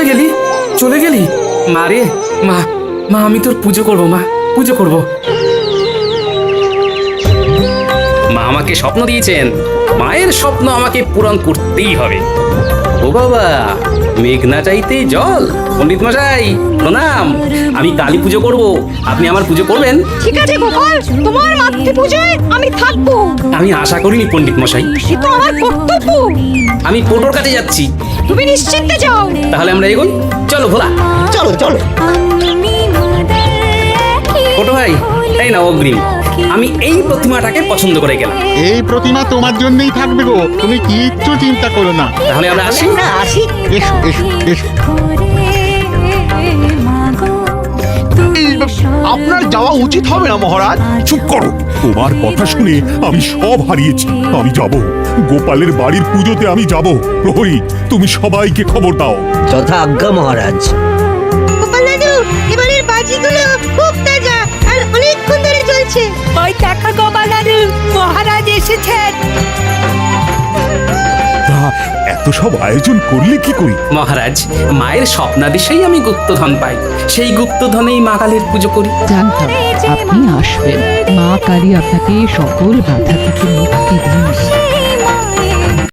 গেলি, চলে গেলি? মা রে, মা মা আমি তোর পুজো করব, মা পুজো করব। মা আমাকে স্বপ্ন দিয়েছেন, মায়ের স্বপ্ন আমাকে পূরণ করতেই হবে। ও বাবা, মেঘ না চাইতেই জল। পণ্ডিত মশাই প্রণাম, আমি কালী পুজো করব, আপনি আমার পুজো করবেন? ঠিক আছে গোপাল, তোমার মাতৃ পূজায় আমি থাকবো। আমি আশা করিনি পণ্ডিত মশাই, সে তো আমার কর্তব্য। আমি পোটোর কাছে যাচ্ছি। তুমি নিশ্চিন্তে যাও। তাহলে আমরা এগোই, চলো ভোলা। চলো চলো। পোটো ভাই, এই না অগ্রিম, আমি এই প্রতিমাটাকে পছন্দ করে গেলাম। এই প্রতিমা তোমার জন্যই থাকবে গো, তুমি কিচ্ছু চিন্তা করো না। তাহলে আমরা আসি। না আসি। এসো এসো এসো। আপনার যাওয়া উচিত হবে না মহারাজ। চুপ করো, তোমার কথা শুনে আমি সব হারিয়েছি। আমি যাব, গোপালের বাড়ির পুজোতে আমি যাব। প্রহরী, তুমি সবাইকে খবর দাও। যথা আজ্ঞা মহারাজ। গোপাল দাদু, এবারের বাজিগুলো খুব তাজা আর অনেকক্ষণ ধরে চলছে। ওই দেখো গোপাল দাদু, মহারাজ এসেছেন। তা এত সব আয়োজন করলে কি করি? মহারাজ, মায়ের স্বপ্নাদেশেই আমি গুপ্তধন পাই, সেই গুপ্তধনেই মা কালীর পুজো করি। জানতাম আপনি আসবেন। মা কালী আপনাকে সকল বাধা থেকে মুক্তি দিন।